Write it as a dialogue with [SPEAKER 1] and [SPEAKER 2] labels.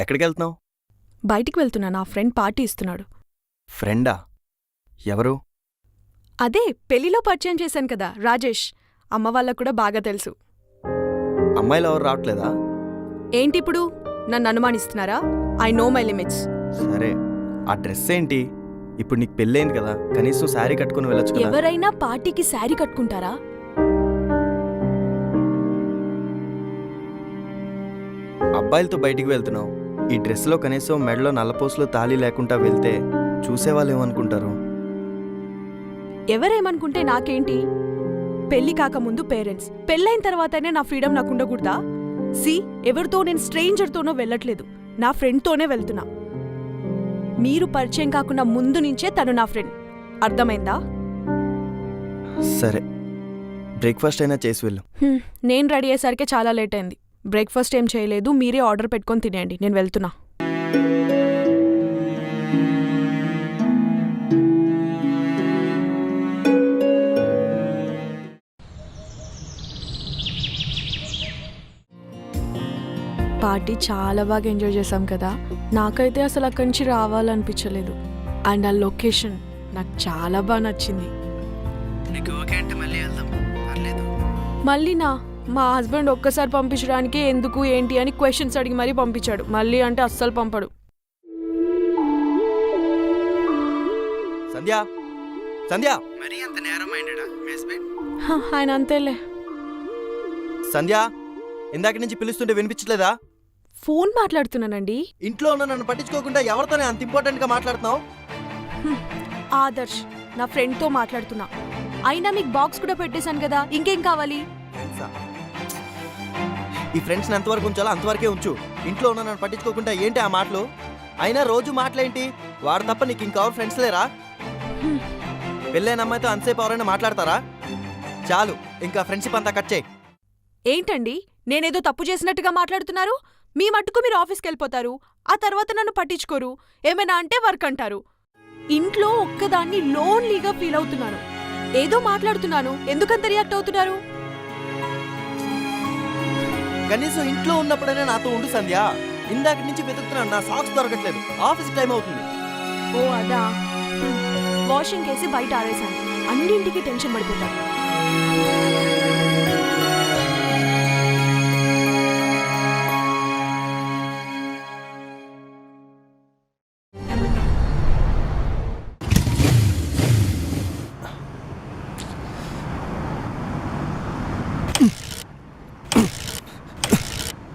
[SPEAKER 1] ఎక్కడికి వెళ్తున్నావు?
[SPEAKER 2] బయటికి వెళ్తున్నా. నా ఫ్రెండ్ పార్టీ ఇస్తున్నాడు.
[SPEAKER 1] ఫ్రెండా? ఎవరు?
[SPEAKER 2] అదే పెళ్లిలో పరిచయం చేశాను కదా, రాజేష్. అమ్మ వాళ్ళకు కూడా బాగా తెలుసు.
[SPEAKER 1] అమ్మాయిలు ఎవరు రావట్లేదా?
[SPEAKER 2] ఏంటిప్పుడు నన్ను అనుమానిస్తున్నారా? I know my limits.
[SPEAKER 1] సరే, ఆ డ్రెస్ ఏంటి? ఇప్పుడు నీకు పెళ్ళైంది కదా, కనీసం శారీ కట్టుకుని వెళ్ళొచ్చు కదా.
[SPEAKER 2] ఎవరైనా పార్టీకి శారీ కట్టుకుంటారా?
[SPEAKER 1] అబ్బాయిలతో బయటికి వెళ్తున్నావు, ఈ డ్రెస్లో కనీసం మెడలో నల్లపోసులు తాళి లేకుండా వెళ్తే చూసేవాళ్ళు ఏమనుకుంటారు?
[SPEAKER 2] ఎవరేమనుకుంటే నాకేంటి? పెళ్లి కాకముందు పేరెంట్స్, పెళ్ళైన తర్వాతనే నా ఫ్రీడమ్ నాకు ఉండకూడదా? ఎవరితో నేను స్ట్రేంజర్తోనో వెళ్ళట్లేదు, నా ఫ్రెండ్తోనే వెళ్తున్నా. మీరు పరిచయం కాకుండా ముందు నుంచే తను నా ఫ్రెండ్. అర్థమైందా?
[SPEAKER 1] సరే, బ్రేక్ఫాస్ట్ అయినా చేసి వెళ్ళు.
[SPEAKER 2] నేను రెడీ అయ్యేసరికి చాలా లేట్ అయింది. బ్రేక్ఫాస్ట్ ఏం చేయలేదు, మీరే ఆర్డర్ పెట్టుకొని తినేయండి. నేను వెళ్తున్నా. పార్టీ చాలా బాగా ఎంజాయ్ చేశాం కదా. నాకైతే అసలు అక్కడి నుంచి రావాలనిపించలేదు. అండ్ ఆ లొకేషన్ నాకు చాలా బాగా నచ్చింది. మళ్ళీనా? మా హస్బెండ్ ఒక్కసారి పంపించడానికి ఎందుకు ఏంటి అని క్వశ్చన్స్ అడిగి మరీ పంపించాడు. మళ్ళీ అంటే అస్సలు పంపడు.
[SPEAKER 1] సంధ్య, సంధ్య,
[SPEAKER 2] ఆయన అంతేలే.
[SPEAKER 1] సంధ్య, ఇందాక నుంచి పిలుస్తుంటే వినిపించలేదా?
[SPEAKER 2] ఫోన్ మాట్లాడుతున్నానండి.
[SPEAKER 1] ఇంట్లో ఉన్న నన్ను పట్టించుకోకుండా ఎవరితోనే అంత ఇంపార్టెంట్ గా మాట్లాడుతున్నావు?
[SPEAKER 2] ఆదర్శ్, నా ఫ్రెండ్తో మాట్లాడుతున్నా. అయినా మీకు బాక్స్ కూడా పెట్టేశాను కదా, ఇంకేం కావాలి?
[SPEAKER 1] ఈ ఫ్రెండ్స్ ఎంతవరకు ఉంచాలో అంతవరకే ఉంచు. ఇంట్లో ఉన్న నన్ను పట్టించుకోకుండా ఏంటి ఆ మాటలు? అయినా రోజు మాటలేంటి? వాడు తప్ప నీకు ఇంకెవరు ఫ్రెండ్స్ లేరా? పెళ్ళైన అమ్మాయితో అంతసేపు ఎవరైనా మాట్లాడతారా? చాలు, ఇంకా ఫ్రెండ్షిప్ అంతా కట్ చేయి.
[SPEAKER 2] ఏంటండి, నేనేదో తప్పు చేసినట్టుగా మాట్లాడుతున్నారు? మీ మట్టుకు మీరు ఆఫీస్కి వెళ్ళిపోతారు, ఆ తర్వాత నన్ను పట్టించుకోరు. ఏమైనా అంటే వర్క్ అంటారు. ఇంట్లో ఒక్కదాన్ని లోన్లీగా ఫీల్ అవుతున్నాను. ఏదో మాట్లాడుతున్నాను, ఎందుకంత రియాక్ట్ అవుతున్నారు?
[SPEAKER 1] కనీసం ఇంట్లో ఉన్నప్పుడైనా నాతో ఉండు సంధ్య. ఇందాక నుంచి వెతుకుతున్నాను, నా సాక్స్ దొరకట్లేదు. ఆఫీస్ టైం అవుతుంది.
[SPEAKER 2] ఓ అదా, వాషింగ్ కేసి బయట ఆరేశాను. అన్నింటికి టెన్షన్ పడిపోతాను.